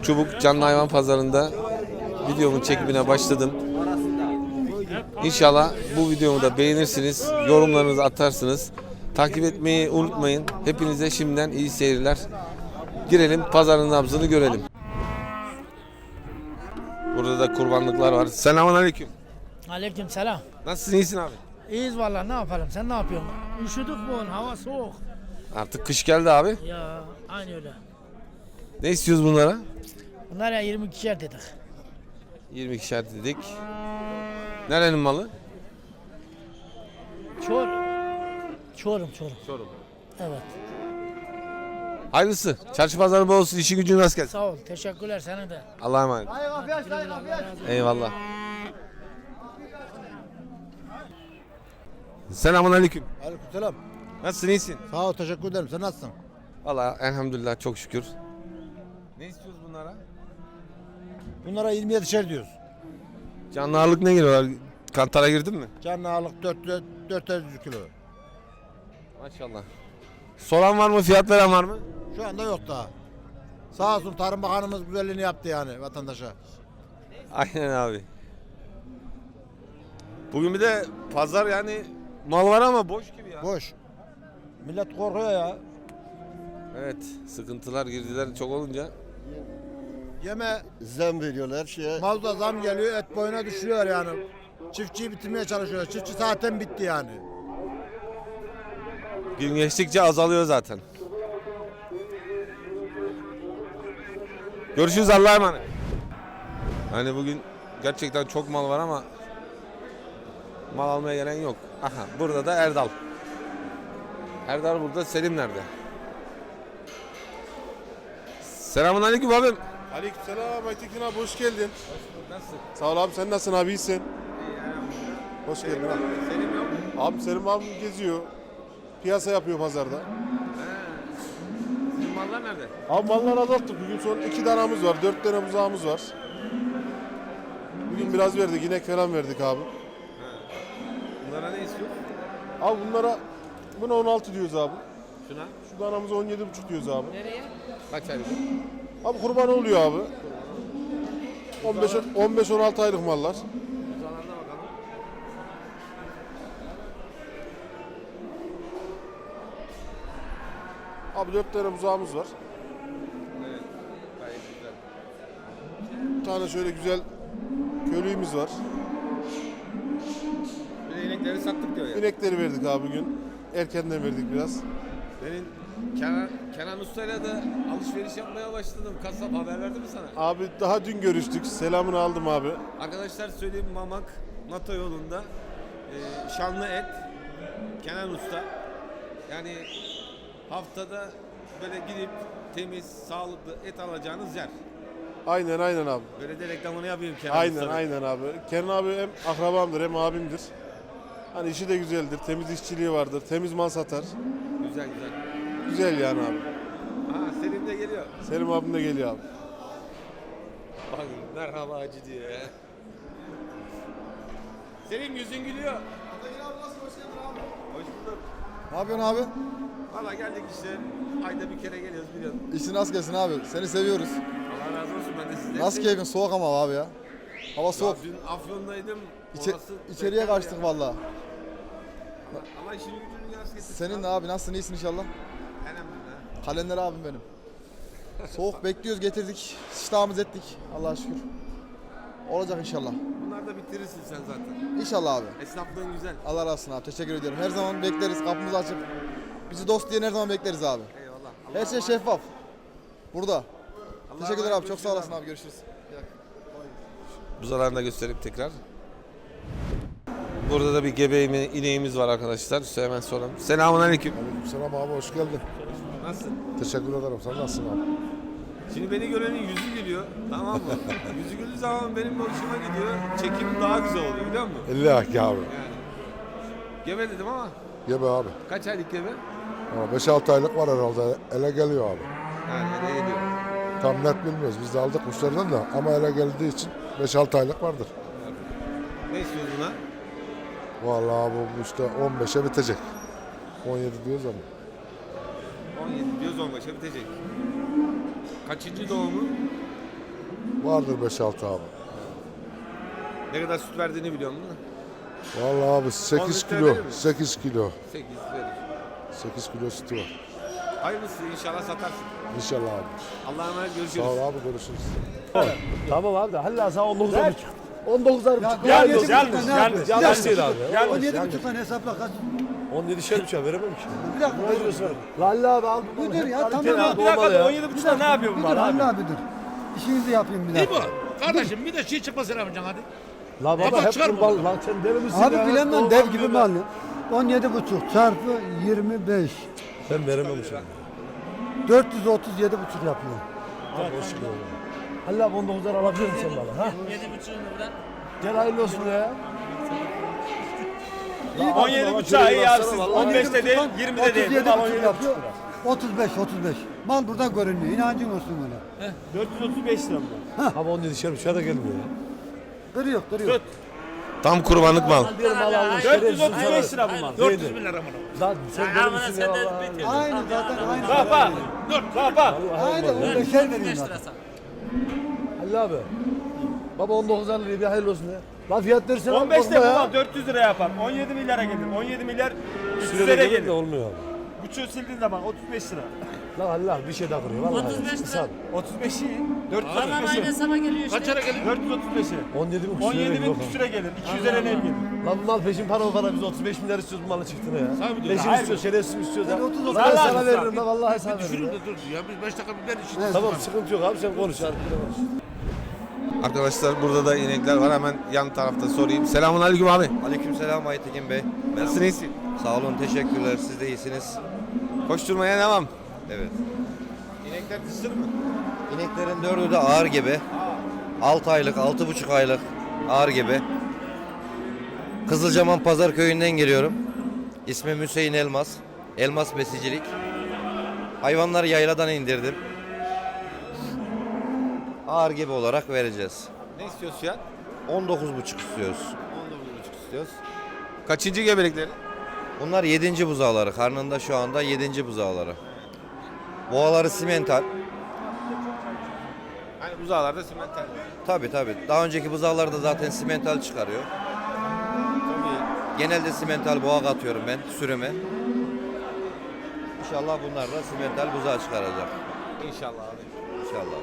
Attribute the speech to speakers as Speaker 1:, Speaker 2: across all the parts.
Speaker 1: Çubuk Canlı Hayvan Pazarı'nda videomun çekimine başladım. İnşallah bu videomu da beğenirsiniz, yorumlarınızı atarsınız. Takip etmeyi unutmayın. Hepinize şimdiden iyi seyirler. Girelim, pazarın nabzını görelim. Burada da kurbanlıklar var. Selamünaleyküm.
Speaker 2: Aleyküm selam.
Speaker 1: Nasılsın, iyisin abi?
Speaker 2: İyiyiz vallahi, ne yapalım, sen ne yapıyorsun? Üşüdük bugün, hava soğuk.
Speaker 1: Artık kış geldi abi.
Speaker 2: Ya aynı öyle.
Speaker 1: Ne istiyoruz bunlara?
Speaker 2: Bunlar ya 22'şer dedik.
Speaker 1: 22'şer dedik. Nerenin malı?
Speaker 2: Çorum.
Speaker 1: Çorum.
Speaker 2: Evet.
Speaker 1: Hayırlısı. Çarşı pazarı bol olsun. İşi gücün rast gelsin.
Speaker 2: Sağ ol, teşekkürler sana da.
Speaker 1: Allah'a emanet. Eyvallah. Selamünaleyküm.
Speaker 3: Aleykümselam.
Speaker 1: Nasılsın, iyisin?
Speaker 3: Sağ ol, teşekkür ederim. Sen nasılsın?
Speaker 1: Vallahi elhamdülillah, çok şükür. Ne istiyoruz bunlara?
Speaker 3: Bunlara 27'şer diyoruz.
Speaker 1: Canlı ağırlık ne geliyorlar? Kantara girdin mi?
Speaker 3: Canlı ağırlık 400 kilo.
Speaker 1: Maşallah. Soran var mı? Fiyat veren var mı?
Speaker 3: Şu anda yok daha. Sağ olsun Tarım Bakanımız güzelliğini yaptı yani vatandaşa.
Speaker 1: Aynen abi. Bugün bir de pazar, yani mal var ama boş gibi ya.
Speaker 3: Boş. Millet korkuyor ya.
Speaker 1: Evet, sıkıntılar, girdiler çok olunca.
Speaker 3: Yeme
Speaker 4: Zam veriyorlar her şeye.
Speaker 3: mazda zam geliyor, et boyuna düşüyor yani. Çiftçiyi bitirmeye çalışıyor. Çiftçi zaten bitti yani.
Speaker 1: Gün geçtikçe azalıyor zaten. Görüşürüz, Allah'a emanet. Hani bugün gerçekten çok mal var ama mal almaya gelen yok. Aha, burada da Erdal. Erdal burada, Selim nerede? Selamünaleyküm abim.
Speaker 5: Aleykümselam Aytekin abi, hoş geldin.
Speaker 1: Nasılsın?
Speaker 5: Sağ ol abi, sen nasılsın abi, iyisin? Hoş geldin abi.
Speaker 1: Selim yok.
Speaker 5: Abi Selim abi geziyor. Piyasa yapıyor pazarda.
Speaker 1: Sizin mallar nerede?
Speaker 5: Abi mallar azalttık. Bugün son 2 danamız var, 4 tane buzağımız var. Bugün biraz verdik, inek falan verdik abi.
Speaker 1: Bunlara ne istiyor?
Speaker 5: Abi buna 16 diyoruz abi.
Speaker 1: Şuna.
Speaker 5: Şu danamıza 17,5 diyoruz abi.
Speaker 1: Nereye? Kaç aylık?
Speaker 5: Abi kurban oluyor abi. 15-16 aylık mallar.
Speaker 1: Uzalarına bakalım.
Speaker 5: Abi 4 tane buzağımız var.
Speaker 1: Evet. Gayet güzel.
Speaker 5: Bir tane şöyle güzel köylüğümüz var.
Speaker 1: Bir de inekleri sattık diyor ya.
Speaker 5: İnekleri verdik abi bugün. Erkenden verdik biraz.
Speaker 1: Benim Kenan Usta'yla da alışveriş yapmaya başladım. Kasap haber verdi mi sana?
Speaker 5: Abi daha dün görüştük. Selamını aldım abi.
Speaker 1: Arkadaşlar söyleyeyim, Mamak NATO yolunda şanlı et Kenan Usta. Yani haftada böyle gidip temiz, sağlıklı et alacağınız yer.
Speaker 5: Aynen abi.
Speaker 1: Böyle de reklamını yapayım Kenan Usta'nın.
Speaker 5: Aynen abi. Kenan abi hem akrabamdır hem abimdir. Hani işi de güzeldir. Temiz işçiliği vardır. Temiz mal satar.
Speaker 1: Güzel.
Speaker 5: Güzel yani abi.
Speaker 1: Ha, Selim de geliyor.
Speaker 5: Selim abim de geliyor abi.
Speaker 1: Bak, merhaba hacı diyor ya. Selim, yüzün gülüyor. Hoş bulduk.
Speaker 6: Ne yapıyorsun abi?
Speaker 1: Valla geldik işte. Ayda bir kere geliyoruz, biliyorsun.
Speaker 6: İşin rast gelsin abi. Seni seviyoruz.
Speaker 1: Allah razı olsun, ben de sizden.
Speaker 6: Nasıl keyfin? Soğuk ama abi ya. Hava soğuk.
Speaker 1: Dün Afyon'daydım.
Speaker 6: İçeriye
Speaker 1: beter
Speaker 6: kaçtık
Speaker 1: ya.
Speaker 6: valla.
Speaker 1: Ama işini gücünü yaz getirsin.
Speaker 6: Senin de abi nasılsın? İyisin inşallah.
Speaker 1: Elhamdülillah.
Speaker 6: Kalender abim benim. Soğuk bekliyoruz, getirdik. İştahımız ettik. Allah'a şükür. Olacak inşallah.
Speaker 1: Bunlar da bitirirsin sen zaten.
Speaker 6: İnşallah abi.
Speaker 1: Esnaflığın güzel.
Speaker 6: Allah razı olsun abi. Teşekkür ediyorum. Her zaman bekleriz. Kapımızı açıp bizi dost diye her zaman bekleriz abi.
Speaker 1: Eyvallah.
Speaker 6: Her şey şeffaf. Burada.
Speaker 1: Allah'a
Speaker 6: Teşekkürler
Speaker 1: emanet,
Speaker 6: abi. Çok sağ
Speaker 1: görüşürüz
Speaker 6: olasın abi. Görüşürüz.
Speaker 1: Buzalarını da göstereyim tekrar. Burada da bir gebe ineğimiz var arkadaşlar. Size hemen soralım. Selamünaleyküm.
Speaker 4: Selam abi, hoş geldin.
Speaker 1: Nasılsın?
Speaker 4: Teşekkür ederim. Sen nasılsın abi?
Speaker 1: Şimdi beni görenin yüzü gülüyor. Tamam mı? Yüzü güldüğü zaman benim hoşuma gidiyor. Çekim daha güzel oluyor, biliyor musun?
Speaker 4: 50 aki abi.
Speaker 1: Gebe dedim ama
Speaker 4: Gebe abi.
Speaker 1: kaç aylık gebe?
Speaker 4: Ama 5-6 aylık var herhalde. Ele geliyor abi.
Speaker 1: Yani ne geliyor?
Speaker 4: Tam net bilmiyoruz. Biz de aldık müşteriden de ama ele geldiği için 5-6 aylık vardır.
Speaker 1: Ne istiyorsun buna?
Speaker 4: Vallahi bu işte 15'e bitecek. 17 diyoruz ama.
Speaker 1: 17 diyoruz, 15'e bitecek. Kaçıncı doğumu?
Speaker 4: Vardır 5-6 abi.
Speaker 1: Ne kadar süt verdiğini biliyor musun?
Speaker 4: Vallahi abi 8
Speaker 1: litre
Speaker 4: kilo.
Speaker 1: verir mi?
Speaker 4: 8 kilo.
Speaker 1: 8 verir.
Speaker 4: 8 kilo sütü var.
Speaker 1: Hayırlısı inşallah satarsın.
Speaker 4: İnşallah abi.
Speaker 1: Allah'a emanet
Speaker 4: Sağ
Speaker 1: görüşürüz.
Speaker 4: ol abi, görüşürüz.
Speaker 7: Tamam abi de Halil sen 19'a buçuk. 19'a buçuk.
Speaker 8: Yanlış
Speaker 7: Yanlış değil abi.
Speaker 8: 17,5'tan hesapla kaç?
Speaker 7: 17 şer buçuğa veremem ki.
Speaker 8: Bir dakika.
Speaker 7: Ne diyorsun? Halil abi al.
Speaker 8: Bu dur ya, tamam.
Speaker 7: Abi,
Speaker 8: Bir
Speaker 7: olmalı ya.
Speaker 2: 17,5'da ne yapıyor
Speaker 8: Bir dur Halil abi dur. İşinizi yapayım bir dakika.
Speaker 2: Kardeşim bir de şey çıkmasın yapacaksın hadi.
Speaker 7: La baba hep kurban. Lan sen deli misin ya?
Speaker 8: Abi bilemem dev gibi mi alıyor? 17,5 çarpı 25.
Speaker 7: Ben veremem şimdi.
Speaker 8: 437,5 yapıyor.
Speaker 7: Abi hoş geldin. Halil abi 19'lar alabilir misin bana? Ha?
Speaker 2: 7,5'unu buradan.
Speaker 7: Gel hayırlı olsun ya.
Speaker 2: 17,5'a iyi yapsın. 15'te değil, 20'de değil.
Speaker 8: 37,5 yapıyor. 35. Mal burada görünmüyor. İnancın olsun öyle.
Speaker 7: 435 lira mı? Abi 17 şer buçuğa da gelmiyor ya.
Speaker 8: Kırıyor.
Speaker 1: Tam kurbanlık mal.
Speaker 7: Diyorum mal almış.
Speaker 2: 435 lira bu mal.
Speaker 7: 400 bin lira mı? Lan sen deli misin ya Allah.
Speaker 8: Aynı zaten aynı.
Speaker 2: Bak.
Speaker 8: Aynı 15'er vereyim zaten.
Speaker 7: Halil abi. Baba 19'ar liraya bir hayırlı olsun ya. Lan fiyat versene.
Speaker 2: 15'te bu mal 400 lira yapar. 17 milyara gelir. 17 milyar 300 lira
Speaker 7: Sürede
Speaker 2: gelir.
Speaker 7: de olmuyor abi.
Speaker 2: Buçuğu sildiğin zaman 35 lira.
Speaker 7: Lan Halil abi bir şey daha kırıyor. Vallahi.
Speaker 9: 35 lira.
Speaker 2: 35'i
Speaker 9: Tamam aynı
Speaker 2: 435'i.
Speaker 9: hesaba geliyor işte.
Speaker 2: Kaçara gelir? 435'i.
Speaker 7: 17 bin
Speaker 2: 17 bin küsüre gelir. 200'e ne gelir?
Speaker 7: Lan bu mal peşin para biz 35 milyar istiyoruz bu malı çıktığına ya. Peşin
Speaker 2: Hayır.
Speaker 7: istiyoruz, şerefsiz istiyoruz ya.
Speaker 8: 30
Speaker 7: Lan
Speaker 2: Vallahi
Speaker 7: sana
Speaker 2: abi.
Speaker 7: veririm lan vallahi sana veririm. ya.
Speaker 2: dur ya biz 5 dakika biber için.
Speaker 7: Tamam sıkıntı yok abi sen konuş. Hadi konuş.
Speaker 1: Arkadaşlar burada da inekler var. Hemen yan tarafta sorayım. Selamun aleyküm abi.
Speaker 10: Aleykümselam Aytekin Bey.
Speaker 1: Nasılsın, iyisin?
Speaker 10: Sağ olun, teşekkürler. Siz de iyisiniz.
Speaker 1: Koşturmaya devam.
Speaker 10: Evet.
Speaker 1: İnekler kısır mı?
Speaker 10: İneklerin dördü de ağır gibi. 6 aylık, 6,5 aylık ağır gibi. Kızılcaman Pazar Köyü'nden geliyorum. İsmim Hüseyin Elmas. Elmas Besicilik. Hayvanları yayladan indirdim. Ağır gibi olarak vereceğiz.
Speaker 1: Ne istiyorsun fiyat?
Speaker 10: 19,5 istiyoruz.
Speaker 1: 19,5 istiyoruz. Kaçıncı gebelikleri?
Speaker 10: Bunlar 7. buzağları. Karnında şu anda 7. buzağları. Boğaları simental.
Speaker 1: Hani buzağlarda simental.
Speaker 10: Tabii. Daha önceki buzağlar da zaten simental çıkarıyor.
Speaker 1: Çok iyi.
Speaker 10: Genelde simental boğa katıyorum ben sürüme. İnşallah bunlar da simental buzağı çıkaracak.
Speaker 1: İnşallah abi.
Speaker 10: İnşallah.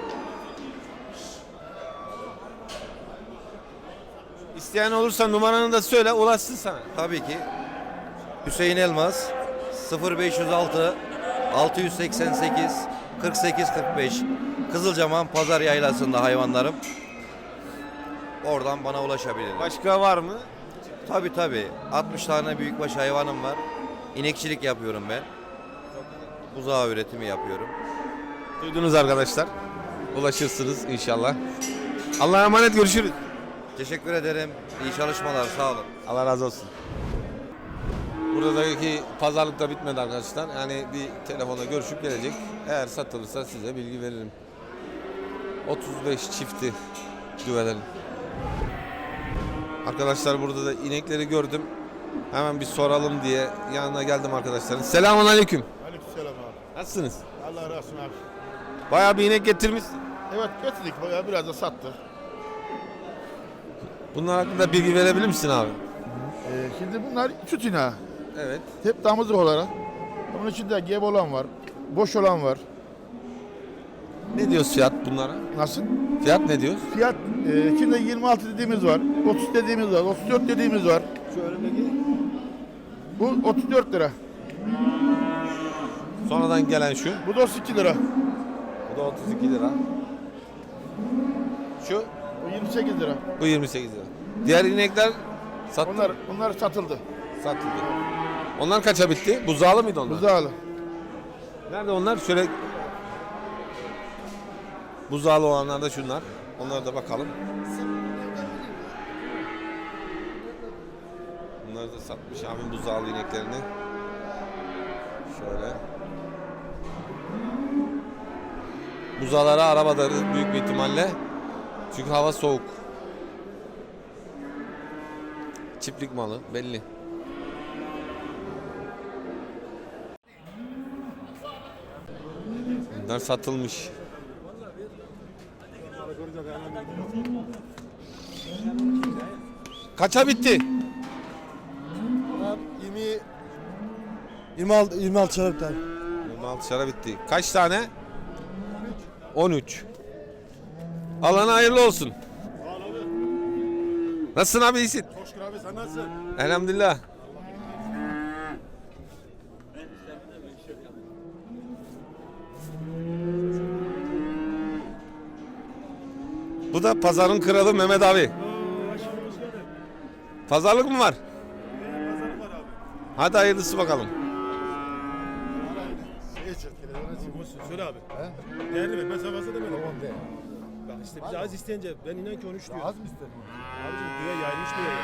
Speaker 1: İsteyen olursa numaranı da söyle, ulaşsın sana.
Speaker 10: Tabii ki Hüseyin Elmas 0506 688 48 45 Kızılcaman Pazar Yaylası'nda hayvanlarım. Oradan bana ulaşabilirler.
Speaker 1: Başka var mı?
Speaker 10: Tabii. 60 tane büyükbaş hayvanım var. İnekçilik yapıyorum ben. Buzağı üretimi yapıyorum.
Speaker 1: Duydunuz arkadaşlar. Ulaşırsınız inşallah. Allah'a emanet, görüşürüz.
Speaker 10: Teşekkür ederim. İyi çalışmalar. Sağ olun.
Speaker 1: Allah razı olsun. Buradaki pazarlık da bitmedi arkadaşlar. Yani bir telefonla görüşüp gelecek. Eğer satılırsa size bilgi veririm. 35 çifti düvelerin. Arkadaşlar burada da inekleri gördüm. Hemen bir soralım diye yanına geldim arkadaşların. Selamun aleyküm.
Speaker 5: Aleykümselam abi.
Speaker 1: Nasılsınız?
Speaker 5: Allah razı olsun abi.
Speaker 1: Bayağı bir inek getirmişsin.
Speaker 5: Evet getirdik bayağı biraz da sattık.
Speaker 1: Bunlar hakkında bilgi verebilir misin abi?
Speaker 5: Şimdi bunlar süt ineği.
Speaker 1: Evet.
Speaker 5: Hep damızlık olarak. Bunun içinde gebe olan var. Boş olan var.
Speaker 1: Ne diyoruz fiyat bunlara?
Speaker 5: Nasıl?
Speaker 1: Fiyat ne diyoruz?
Speaker 5: Fiyat içinde 26 dediğimiz var. 30 dediğimiz var. 34 dediğimiz var. Bu 34 lira.
Speaker 1: Sonradan gelen şu.
Speaker 5: Bu da 32 lira.
Speaker 1: Bu da 32 lira. Şu.
Speaker 5: Bu 28 lira.
Speaker 1: Bu 28 lira. Diğer inekler
Speaker 5: Bunlar satıldı.
Speaker 1: satıldı. Onlar kaça bitti? Buzağlı mıydı onlar?
Speaker 5: Buzağlı.
Speaker 1: Nerede onlar? Şöyle buzağlı olanlar da şunlar. Onlara da bakalım. Bunları da satmış abim buzağlı ineklerini. Şöyle. Buzağlara arabada büyük bir ihtimalle. Çünkü hava soğuk. Çiftlik malı belli. Bunlar satılmış. Kaça bitti?
Speaker 6: 26 çarpı tane.
Speaker 1: 26 şara bitti. Kaç tane? 13. Alana hayırlı olsun. Nasılsın abi, iyisin?
Speaker 5: Çok şükür abi, sen nasılsın?
Speaker 1: Elhamdülillah. Bu da pazarın kralı Mehmet abi. Pazarlık mı var? Hadi hayırlısı bakalım.
Speaker 5: Söyle abi. Değerli ver, ben sana fazla demedim. Bak işte biz az isteyince ben inan ki 13 diyor.
Speaker 4: Az mı istedin?
Speaker 5: Abicim düğe yayılmış düğe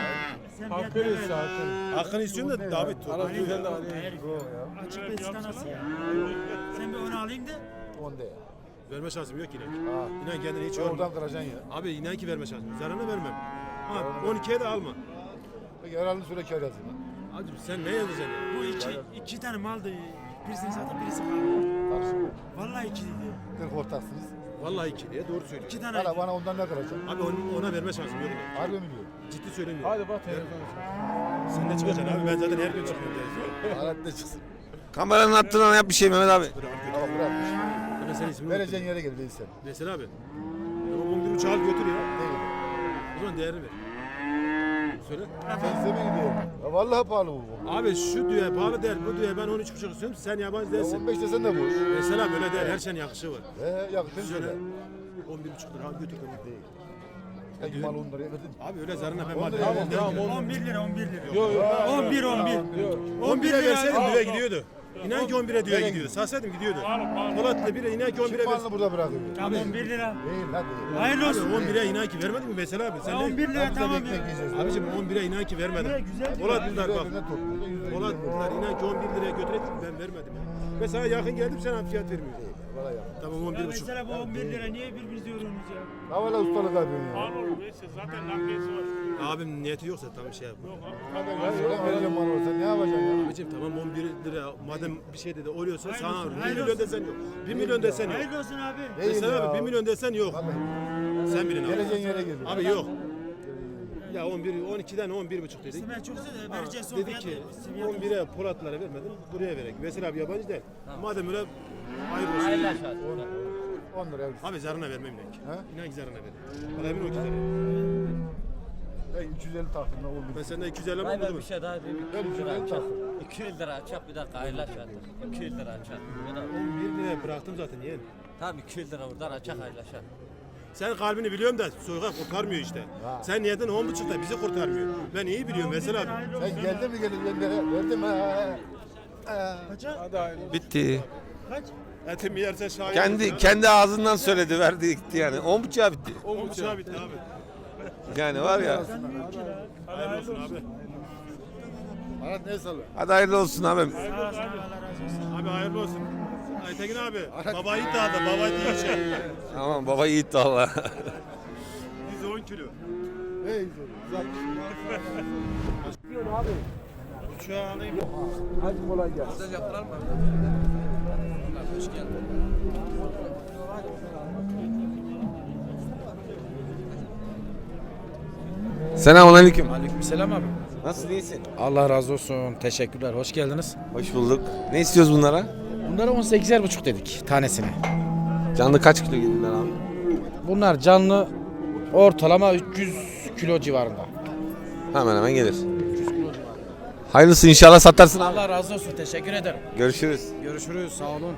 Speaker 5: ya. Hakkını istiyorsun da David tut.
Speaker 8: Açık beşikten nasıl ya? Sen bir onu alayım da.
Speaker 4: 10 de.
Speaker 5: Verme şansım yok inan.
Speaker 4: Ha.
Speaker 5: İnan kendini hiç
Speaker 4: Oradan
Speaker 5: yorma.
Speaker 4: kıracaksın ya.
Speaker 5: Abi inan ki verme şansım. Zararına vermem. Ha 12'ye de alma.
Speaker 4: Peki herhalde süre kar yazayım.
Speaker 5: Abicim sen ne yazacaksın ya?
Speaker 8: Bu iki tane maldı. Birisini zaten birisi kaldı.
Speaker 4: Karışma.
Speaker 8: Vallahi iki dedi.
Speaker 4: 40 ortaksınız.
Speaker 5: Vallahi 2 diye doğru söylüyorsun.
Speaker 8: İki tane.
Speaker 4: Bana ondan ne kıracaksın?
Speaker 5: Abi ona verme şansım yok inan.
Speaker 4: Harbi mi diyor?
Speaker 5: Ciddi söylemiyorum.
Speaker 2: Hadi bak telefonu.
Speaker 5: Sen de çıkacaksın abi, ben zaten her gün çıkıyorum diye.
Speaker 4: Hayatta çıksın.
Speaker 1: Kameranın attığından yap bir şey Mehmet abi.
Speaker 4: Tamam bırakmış.
Speaker 5: Ben senin ismini
Speaker 4: Vereceğin yere gel değilse.
Speaker 5: Veysel abi. Tamam 11.5 al götür ya.
Speaker 4: Değil.
Speaker 5: O zaman değerini ver. Söyle.
Speaker 4: Sen ise mi gidiyorsun? Ya vallahi pahalı bu.
Speaker 5: Abi şu düğe pahalı değil, bu düğe ben 13.5 istiyorum, sen yabancı
Speaker 4: Ya
Speaker 5: değilsin.
Speaker 4: 15 desen de boş.
Speaker 5: Mesela böyle değil, her şeyin yakışı var.
Speaker 4: Yakışın
Speaker 5: Söyle.
Speaker 4: söyle.
Speaker 5: 11.5 lira al götür beni.
Speaker 4: Değil. Peki mal 10 liraya verdin.
Speaker 5: Abi öyle zarına ben
Speaker 4: 10
Speaker 5: mal
Speaker 4: lira,
Speaker 5: vermem.
Speaker 2: Tamam
Speaker 8: 11 lira 11 lira.
Speaker 2: Yok yok.
Speaker 8: 11 11.
Speaker 5: 11 lira verseydim düğe gidiyordu. İnan ki 11'e düğe gidiyordu. Satsaydım gidiyordu. Polat'la bire inan ki 11'e
Speaker 4: Kim
Speaker 5: versin.
Speaker 4: malını burada bırakıyor?
Speaker 8: Tamam 11 lira.
Speaker 4: Değil lan değil.
Speaker 8: Hayırlı
Speaker 5: Abi
Speaker 8: olsun.
Speaker 5: 11'e inan ki vermedin mi Veysel abi? Sen
Speaker 8: Ya
Speaker 5: ne?
Speaker 8: 11 lira
Speaker 4: Biz de
Speaker 8: tamam
Speaker 4: ekmek
Speaker 8: ya.
Speaker 4: yiyeceğiz.
Speaker 5: Abicim 11'e inan ki vermedim.
Speaker 8: Güzel.
Speaker 5: Polatlılar bak.
Speaker 4: Üzerine topluyor, yüzde yüz
Speaker 5: Polatlılar inan ki 11 liraya götürecek ben vermedim. Ben sana yakın geldim sen fiyat vermiyorsun.
Speaker 4: Valla ya.
Speaker 5: Tamam
Speaker 8: Ya
Speaker 5: 11.5.
Speaker 8: mesela bu 11 lira niye birbirinizi yoruyorsunuz ya?
Speaker 4: Ha valla ustalık yapıyorsun ya.
Speaker 5: Abim niyeti yoksa tamam şey yap.
Speaker 4: Ya söyle vereceğim bana olsa ne yapacaksın ya?
Speaker 5: Abicim tamam 11 lira madem bir şey dedi oluyorsa
Speaker 8: Hayırlı
Speaker 5: sana
Speaker 8: olsun,
Speaker 5: 1
Speaker 8: hayırlı
Speaker 5: milyon
Speaker 8: olsun.
Speaker 5: desen yok. 1 milyon desen yok.
Speaker 8: Hayırlı olsun abi.
Speaker 4: Değil
Speaker 5: Mesela
Speaker 4: ya.
Speaker 5: abi 1 milyon desen yok.
Speaker 4: Vallahi.
Speaker 5: Sen bilin abi.
Speaker 4: Geleceğin yere geliyor.
Speaker 5: Abi yok. Ya 11 12'den 11,5 dedik.
Speaker 8: İşte ben çok sevdim. Vereceğiz son
Speaker 5: Dedik
Speaker 8: fiyatı.
Speaker 5: ki
Speaker 8: Seviyat olsun.
Speaker 5: 11'e Polatlara vermedim. Buraya verek. Mesela abi yabancı değil. Madem öyle hayırlı olsun.
Speaker 4: 10 liraya versin.
Speaker 5: Abi zarına vermem inan ki.
Speaker 4: He?
Speaker 5: İnan ki zarına vermem. Bana emin ol ki zarına.
Speaker 4: Ben 350 taktım da oldu.
Speaker 5: Ben senden 250 mi
Speaker 9: Hayır ben
Speaker 5: buldum?
Speaker 9: bir şey daha diyeyim.
Speaker 4: Ben
Speaker 9: 200 lira
Speaker 4: 350
Speaker 9: açak.
Speaker 4: taktım.
Speaker 9: 200 lira açak bir dakika hayırlaş artık. 200 lira açak.
Speaker 5: 11 liraya bıraktım zaten yeğen.
Speaker 9: Tamam 200 lira buradan açak hayırlaşak.
Speaker 5: Sen kalbini biliyorum da soyga kurtarmıyor işte. Sen niyetin 10,5'da bizi kurtarmıyor. Ben iyi biliyorum mesela abi.
Speaker 4: Sen geldin mi geldin ben de verdim ha.
Speaker 8: Kaça?
Speaker 1: Bitti.
Speaker 8: Kaç?
Speaker 5: Etimi yersen şahit.
Speaker 1: Kendi ağzından söyledi, verdi gitti yani. 10.5'a bitti.
Speaker 5: 10,5'a bitti abi.
Speaker 1: Yani var ya.
Speaker 5: Hayırlı olsun abi.
Speaker 4: Bana ne salıyor?
Speaker 1: Hadi hayırlı olsun abim.
Speaker 8: Sağ olasın. Allah razı olsun.
Speaker 5: Abi hayırlı olsun. Aytekin abi. Baba yiğit dağda. Baba yiğit şey.
Speaker 1: Tamam baba yiğit valla.
Speaker 5: 110 kilo.
Speaker 4: Hey güzel.
Speaker 5: Uçağı alayım.
Speaker 4: Hadi kolay gelsin.
Speaker 1: Selamünaleyküm.
Speaker 2: Aleykümselam abi.
Speaker 1: Nasılsın, iyisin?
Speaker 2: Allah razı olsun. Teşekkürler. Hoş geldiniz.
Speaker 1: Hoş bulduk. Ne istiyoruz bunlara?
Speaker 2: Bunlara 18,5 dedik tanesine.
Speaker 1: Canlı kaç kilo gelirler abi?
Speaker 2: Bunlar canlı ortalama 300 kilo civarında.
Speaker 1: Hemen hemen gelir. Hayırlısı inşallah satarsın abi.
Speaker 2: Allah razı olsun. Teşekkür ederim.
Speaker 1: Görüşürüz.
Speaker 2: Görüşürüz. Sağ olun.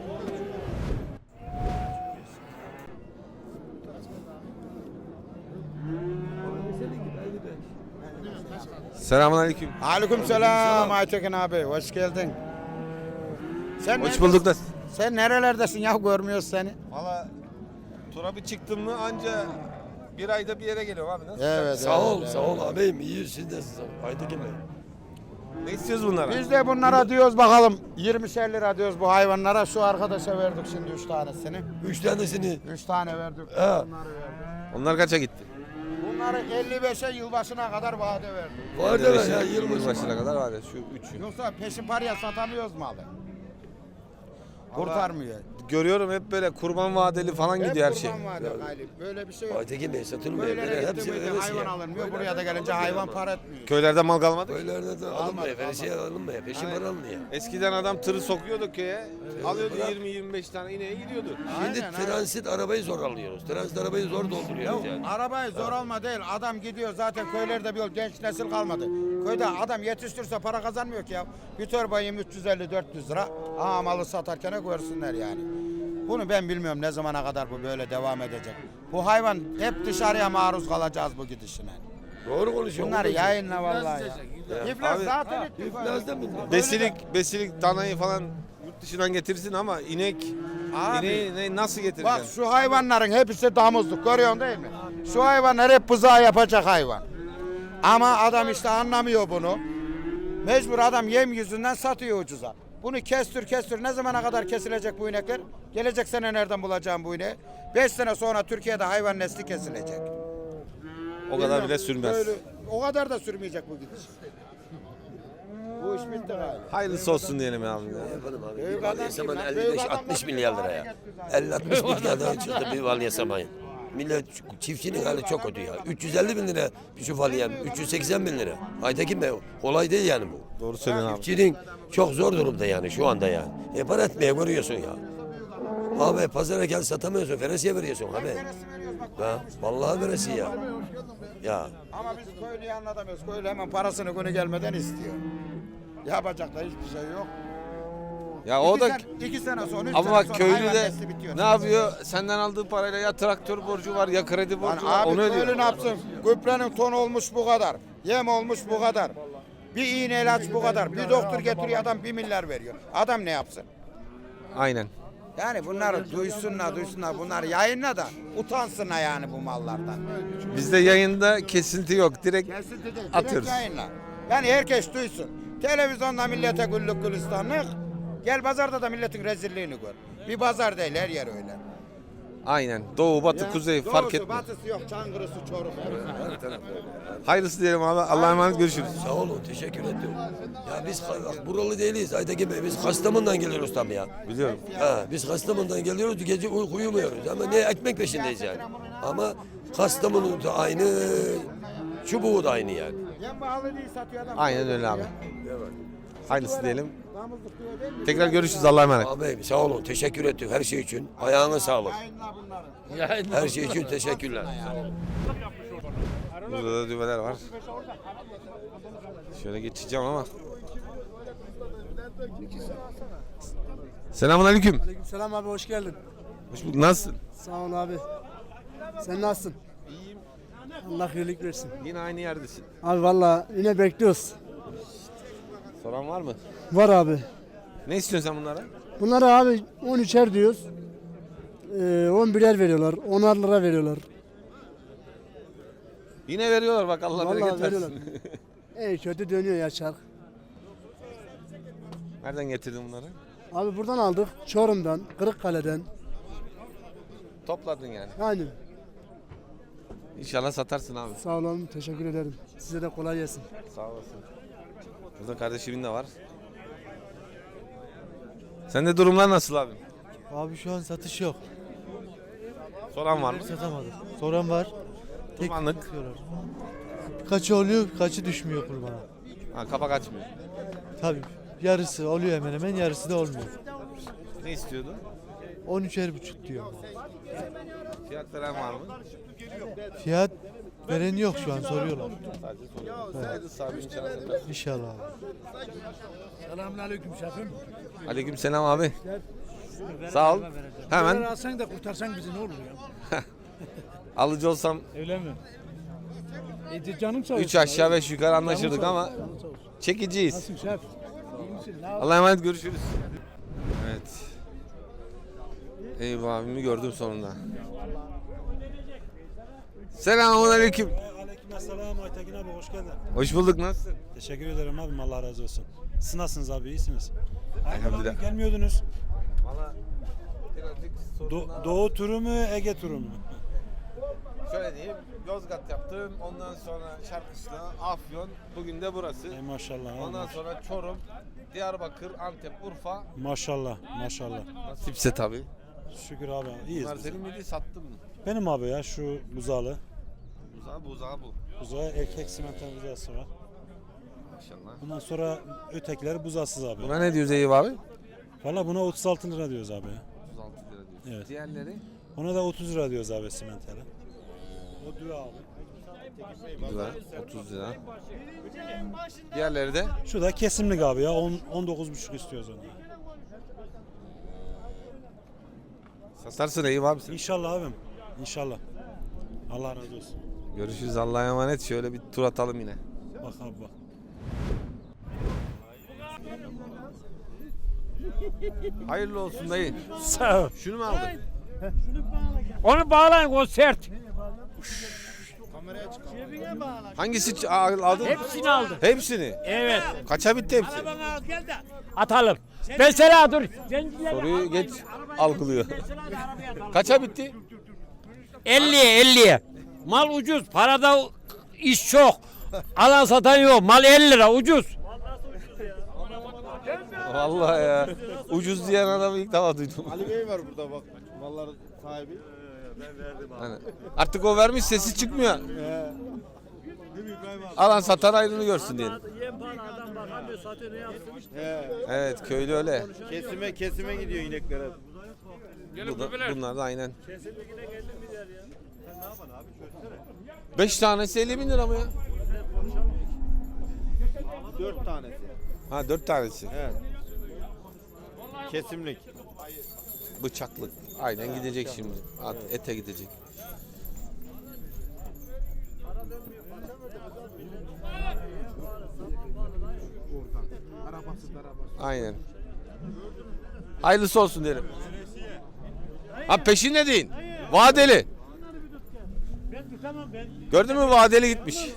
Speaker 1: Selamünaleyküm.
Speaker 3: Aleykümselam Aytekin abi. Hoş geldin. Sen
Speaker 1: Hoş bulduk da.
Speaker 3: Sen nerelerdesin ya, görmüyoruz seni.
Speaker 1: Valla tura bir çıktım mı anca bir ayda bir yere geliyorum abi. Nasıl?
Speaker 3: Evet.
Speaker 7: Sağ ol abim. İyi siz de size. Haydi gelin.
Speaker 1: Ne istiyoruz bunlara?
Speaker 3: Biz de bunlara diyoruz bakalım 20'şer lira diyoruz bu hayvanlara. Şu arkadaşa verdik şimdi 3 tanesini.
Speaker 7: 3 tanesini.
Speaker 3: 3 tane verdik.
Speaker 7: He.
Speaker 3: Bunları verdik.
Speaker 1: Onlar kaça gitti?
Speaker 3: Bunları 55'e yılbaşına kadar vade verdik.
Speaker 7: Var da ya yılbaşı.
Speaker 1: Yılbaşına kadar var ya şu üçü.
Speaker 3: Yoksa peşin paraya satamıyoruz malı. Kurtarmıyor.
Speaker 1: Görüyorum hep böyle kurban vadeli falan gidiyor her şey.
Speaker 3: Kurban var ya galip. Böyle bir şey yok.
Speaker 7: Aytekin Bey satılmıyor.
Speaker 3: Böyle
Speaker 7: Hepsi
Speaker 3: gitti miydi hayvan alınmıyor. Buraya da gelince hayvan para etmiyor.
Speaker 1: Köylerde mal kalmadı.
Speaker 7: Köylerde de alınmıyor. Veresiye alınmıyor. Peşin para alınıyor.
Speaker 1: Eskiden adam tırı sokuyordu köye. Alıyordu 20-25 tane ineğe gidiyordu.
Speaker 7: Şimdi
Speaker 3: Aynen,
Speaker 7: transit arabayı zor alıyoruz. Transit arabayı zor dolduruyoruz yani.
Speaker 3: Arabayı zor alma değil. Adam gidiyor zaten köylerde bir yol genç nesil kalmadı. Köyde adam yetiştirse para kazanmıyor ki ya. Bir torbayım 350-400 lira. Aa malı satarken görsünler yani. Bunu ben bilmiyorum ne zamana kadar bu böyle devam edecek. Bu hayvan hep dışarıya maruz kalacağız bu gidişine.
Speaker 7: Doğru konuşuyorsun.
Speaker 3: Bunları yayınla vallahi ya. İflas
Speaker 1: Abi-
Speaker 3: zaten etti.
Speaker 7: İflasdan mı?
Speaker 1: Besilik danayı falan yurt dışından getirsin ama inek
Speaker 3: Abi,
Speaker 1: ineği nasıl
Speaker 3: bak
Speaker 1: getireceksin?
Speaker 3: şu hayvanların hepsi damızlık görüyorsun değil mi? Şu hayvanlar hep buzağı yapacak hayvan. Ama adam işte anlamıyor bunu. Mecbur adam yem yüzünden satıyor ucuza. Bunu kestir ne zamana kadar kesilecek bu inekler? Gelecek sene nereden bulacağım bu ineği? 5 sene sonra Türkiye'de hayvan nesli kesilecek.
Speaker 1: O kadar bile sürmez.
Speaker 3: O kadar da sürmeyecek bu gidiş. Bu iş bitti galiba.
Speaker 1: Hayırlısı olsun diyelim ya.
Speaker 7: Yapalım abi.
Speaker 3: Büyük
Speaker 7: Bir valya
Speaker 3: adam
Speaker 7: saman
Speaker 3: kim lan? Büyük
Speaker 7: 55-60
Speaker 3: adamlar
Speaker 7: milyar
Speaker 3: para
Speaker 7: liraya.
Speaker 3: getiriyor
Speaker 7: 50-60 milyar daha çıktı bir valya samayın. Millet çiftçinin hali çok kötü ya. 350 bin lira şu valya, 380 bin lira. Aytekin Bey kolay değil yani bu.
Speaker 1: Doğru söylüyorsun abi.
Speaker 7: Çiftçinin çok zor durumda yani şu anda yani. Para etmeye görüyorsun ya. Abi pazara gel satamıyorsun, veresiye veriyorsun abi. Ha, vallahi veresiye ya. Ya
Speaker 3: Ama biz köylüyü anlatamıyoruz. Köylü hemen parasını günü gelmeden istiyor. Yapacak da hiçbir şey yok.
Speaker 1: Ya o da
Speaker 3: 2 sene sonra 3
Speaker 1: ama
Speaker 3: sene
Speaker 1: bak
Speaker 3: sonra
Speaker 1: köylü
Speaker 3: hayvan
Speaker 1: de
Speaker 3: nesli bitiyor.
Speaker 1: ne yapıyor? Senden aldığı parayla ya traktör borcu var ya kredi
Speaker 3: Lan
Speaker 1: borcu var.
Speaker 3: abi
Speaker 1: Onu ödüyor.
Speaker 3: köylü ne yapsın? Gübrenin tonu olmuş bu kadar. Yem olmuş bu kadar. Bir iğne ilaç bu kadar. Bir doktor getiriyor adam 1 milyar veriyor. Adam ne yapsın?
Speaker 1: Aynen.
Speaker 3: Yani bunları duysunlar bunları yayınla da utansınlar yani bu mallardan.
Speaker 1: Bizde yayında kesinti yok. Direkt
Speaker 3: Kesinti değil, direkt
Speaker 1: atıyoruz.
Speaker 3: yayınla. Yani herkes duysun. Televizyonda millete güllük gülistanlık. Gel pazarda da milletin rezilliğini gör. Bir pazar değil her yer öyle.
Speaker 1: Aynen. Doğu, batı,
Speaker 3: Ya,
Speaker 1: kuzey
Speaker 3: doğusu,
Speaker 1: fark etmiyor.
Speaker 3: batısı yok, Çankırısı, Çorum.
Speaker 1: Hayırlısı diyelim abi. Allah'a emanet görüşürüz.
Speaker 7: sağ olun teşekkür ederim. Ya biz bak, buralı değiliz Aytekin Bey. Biz Kastamonu'dan geliyoruz tabii ya.
Speaker 1: Biliyorum.
Speaker 7: Ha, biz Kastamonu'dan geliyoruz gece uyumuyoruz ama ne ekmek peşindeyiz yani. Ama Kastamonu da aynı, çubuğu da aynı yani.
Speaker 3: Yem pahalı değil satıyor adam.
Speaker 1: Aynen öyle abi. Hayırlısı diyelim. Tekrar görüşürüz. Allah'a emanet.
Speaker 7: Abi sağ olun teşekkür ettik her şey için. Ayağına sağlık.
Speaker 3: Yayınla bunları.
Speaker 7: Her şey için teşekkürler.
Speaker 1: Burada da düveler var. Şöyle geçeceğim ama. Selamünaleyküm.
Speaker 8: Selam abi hoş geldin.
Speaker 1: Hoş bulduk. Nasılsın?
Speaker 8: Sağ ol abi. Sen nasılsın?
Speaker 1: İyiyim.
Speaker 8: Allah iyilik versin.
Speaker 1: Yine aynı yerdesin.
Speaker 8: Abi valla yine bekliyoruz.
Speaker 1: Soran var mı?
Speaker 8: Var abi.
Speaker 1: Ne istiyorsun sen bunlara?
Speaker 8: Bunlara abi 13'er diyoruz. 11'er veriyorlar. 10'ar lira veriyorlar.
Speaker 1: Yine veriyorlar bak Allah
Speaker 8: Vallahi
Speaker 1: bereket
Speaker 8: veriyorlar.
Speaker 1: versin.
Speaker 8: Kötü dönüyor ya çark.
Speaker 1: Nereden getirdin bunları?
Speaker 8: Abi buradan aldık. Çorum'dan, Kırıkkale'den.
Speaker 1: Topladın yani.
Speaker 8: Aynen.
Speaker 1: İnşallah satarsın abi.
Speaker 8: Sağ olun. Teşekkür ederim. Size de kolay gelsin.
Speaker 1: Sağ olasın. Burada kardeşimin de var. Sende durumlar nasıl abi?
Speaker 11: Abi şu an satış yok.
Speaker 1: Soran var mı?
Speaker 11: Satamadık. Soran var. Tek
Speaker 1: Kurbanlık.
Speaker 11: satıyorlar. Kaçı oluyor, kaçı düşmüyor kurbana.
Speaker 1: Ha, kapak açmıyor.
Speaker 11: Tabii yarısı oluyor hemen hemen, yarısı da olmuyor.
Speaker 1: Ne istiyordun?
Speaker 11: 13,5 diyor.
Speaker 1: Fiyat veren var mı?
Speaker 11: Fiyat veren yok şu an, soruyorlar.
Speaker 1: Sadece soruyorum. Sadece sahibi inşallah satarsın.
Speaker 11: İnşallah.
Speaker 8: Selamünaleyküm şefim.
Speaker 1: Aleykümselam abi. Sağ ol. Hemen
Speaker 8: alsan da kurtarsan bizi ne olur ya?
Speaker 1: alıcı olsam
Speaker 8: Öyle mi? Canım sağ olsun.
Speaker 1: 3 aşağı 5 yukarı anlaşırdık ama çekiciyiz.
Speaker 8: Şef. İyi misin?
Speaker 1: Allah'a emanet görüşürüz. Evet. Eyüp abimi gördüm sonunda. Selamünaleyküm.
Speaker 2: Aleykümselam Aytekin abi hoş geldin.
Speaker 1: Hoş bulduk. Nasılsın?
Speaker 2: Teşekkür ederim abim Allah razı olsun. Siz nasılsınız abi iyisiniz?
Speaker 1: Elhamdülillah.
Speaker 2: Gelmiyordunuz.
Speaker 1: Valla birazcık sorunlar var.
Speaker 2: Doğu turu mu Ege turu mu?
Speaker 1: Şöyle diyeyim, Yozgat yaptın. Ondan sonra Şarkışla, Afyon. Bugün de burası.
Speaker 2: Maşallah.
Speaker 1: Ondan sonra Çorum, Diyarbakır, Antep, Urfa.
Speaker 2: Maşallah. Maşallah.
Speaker 1: Nasipse tabii.
Speaker 2: Şükür abi. İyiyiz.
Speaker 1: Bunlar senin miydi, sattın mı?
Speaker 2: Benim abi ya şu buzalı.
Speaker 1: Buzağı bu.
Speaker 2: Buzağı erkek simental buzası var.
Speaker 1: Maşallah.
Speaker 2: Bundan sonra ötekiler buzasız abi.
Speaker 1: Buna ne diyoruz Eyüp abi?
Speaker 2: Valla buna 36 lira diyoruz abi.
Speaker 1: 36 lira diyoruz.
Speaker 2: Evet.
Speaker 1: Diğerleri?
Speaker 2: Ona da 30 lira diyoruz abi simentale. O düve abi.
Speaker 1: Güzel, 30 lira. Diğerleri de?
Speaker 2: Şu da kesimlik abi ya 19,5 istiyoruz ona.
Speaker 1: Satarsın Eyüp abi sen.
Speaker 2: İnşallah abim. İnşallah. Allah razı olsun.
Speaker 1: Görüşürüz, Allah'a emanet. Şöyle bir tur atalım yine.
Speaker 2: Bak abi bak.
Speaker 1: Hayırlı olsun dayı.
Speaker 9: Sağ ol.
Speaker 1: Şunu mu aldın?
Speaker 9: Onu bağlayın, o sert.
Speaker 1: Hangisi aldın?
Speaker 9: Hepsini aldım.
Speaker 1: Hepsini.
Speaker 9: Evet.
Speaker 1: Kaça bitti hepsi?
Speaker 9: Bana al gel de atalım. Mesela dur.
Speaker 1: Soruyu geç algılıyor. Kaça bitti?
Speaker 9: 50'ye. Mal ucuz. Parada iş çok. Alan satan yok. Mal 50 lira ucuz.
Speaker 1: Vallahi ya. Ucuz diyen adamı ilk defa duydum.
Speaker 6: Ali Bey var burada bak. Malların sahibi.
Speaker 1: Hani artık o vermiş, sesi çıkmıyor. Alan satan ayrını görsün diyelim. Evet, köylü öyle.
Speaker 6: Kesime gidiyor ineklere.
Speaker 1: Bunlar da aynen. 5 tanesi 50 bin lira mı ya?
Speaker 6: 4 tanesi.
Speaker 1: Ha 4 tanesi.
Speaker 6: Evet. Kesimlik.
Speaker 1: Bıçaklık. Aynen gidecek şimdi. Ete gidecek. Aynen. Hayırlısı olsun derim. Ha peşin ne deyin? Vadeli. Gördün mü, vadeli gitmiş.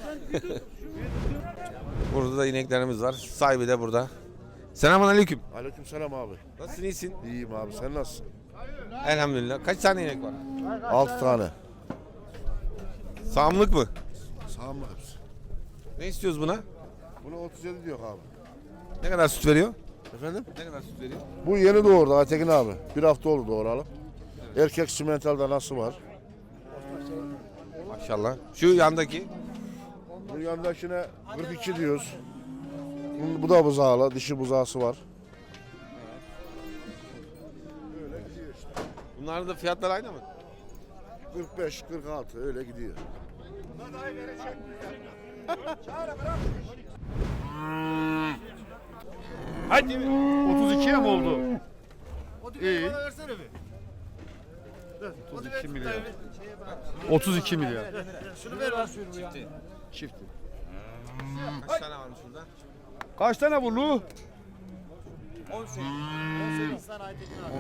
Speaker 1: Burada da ineklerimiz var. Sahibi de burada. Selamünaleyküm.
Speaker 5: Aleykümselam abi.
Speaker 1: Nasılsın, iyisin?
Speaker 5: İyiyim abi, sen nasılsın?
Speaker 1: Elhamdülillah. Kaç tane inek var?
Speaker 5: 6 tane.
Speaker 1: Sağımlık mı?
Speaker 5: Sağımlı hepsi.
Speaker 1: Ne istiyoruz buna?
Speaker 5: Bunu 37 diyor abi.
Speaker 1: Ne kadar süt veriyor?
Speaker 5: Efendim?
Speaker 1: Ne kadar süt veriyor?
Speaker 5: Bu yeni doğurdu Aytekin abi. Bir hafta oldu doğuralı. Erkek simental danası var.
Speaker 1: Maşallah. Şu yandaki?
Speaker 5: Bu yandakine 42 diyoruz. Bu da buzağlı, dişi buzağısı var.
Speaker 1: Bunların da fiyatlar aynı mı?
Speaker 5: 45, 46 öyle gidiyor.
Speaker 9: Hadi.
Speaker 6: 32'ye mi oldu? İyi. 32 milyar. 32 milyar.
Speaker 9: Şunu ver lan.
Speaker 6: Çifti.
Speaker 1: Kaç tane varmış burada?
Speaker 6: Kaç tane bu Lu?
Speaker 1: 18
Speaker 6: tane.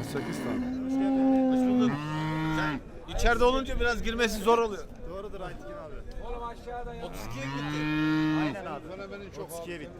Speaker 1: Sen içeride olunca biraz girmesi zor oluyor.
Speaker 6: Doğrudur Aytekin abi.
Speaker 1: Oğlum aşağıda ya. 32'ye gitti.
Speaker 6: Aynen abi. Sonra benim çok 32'ye bitti.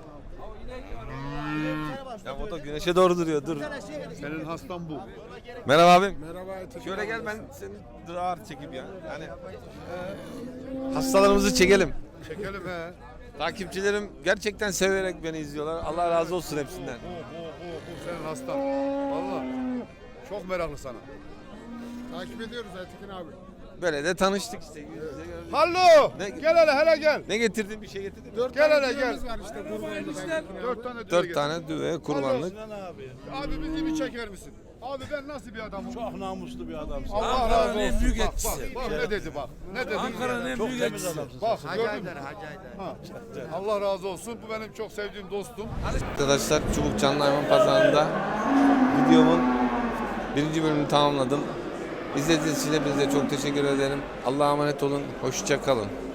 Speaker 1: Ya o da güneşe doğru duruyor. Dur.
Speaker 6: Senin hastan bu.
Speaker 1: Merhaba abim.
Speaker 4: Merhaba Aytekin.
Speaker 1: Şöyle gel, ben seni rahat çekeyim ya. Hani hastalarımızı çekelim.
Speaker 6: Çekelim he.
Speaker 1: Takipçilerim gerçekten severek beni izliyorlar. Allah razı olsun hepsinden.
Speaker 6: Senin hastan. Valla. Çok meraklı sana.
Speaker 4: Takip ediyoruz Aytekin abi.
Speaker 1: Böyle de tanıştık işte. Yüz yüze gördük.
Speaker 6: Hallo.
Speaker 1: Ne-
Speaker 6: Gel hele gel.
Speaker 1: Ne getirdin? Bir şey getirdin mi?
Speaker 4: 4
Speaker 6: Gel
Speaker 4: tane
Speaker 6: hele, gel.
Speaker 4: düğümüz var işte kurbanlık.
Speaker 6: 4 tane düve
Speaker 1: 4 tane düve, kurbanlık.
Speaker 6: Abi bizi bir çeker misin? Abi ben nasıl bir adamım?
Speaker 2: Çok namuslu bir adamsın.
Speaker 6: Allah razı olsun.
Speaker 2: en büyük
Speaker 6: Bak,
Speaker 2: etkisi.
Speaker 6: bak ne dedi bak. Ne dedi?
Speaker 2: Ankara'nın en büyük etkisi.
Speaker 6: Bak gördün mü? Ha. Allah razı olsun. Bu benim çok sevdiğim dostum.
Speaker 1: Arkadaşlar, Çubuk Canlı Hayvan Pazarı'nda videomun 1. bölümünü tamamladım. İzlediğiniz için hepinize çok teşekkür ederim. Allah'a emanet olun. Hoşça kalın.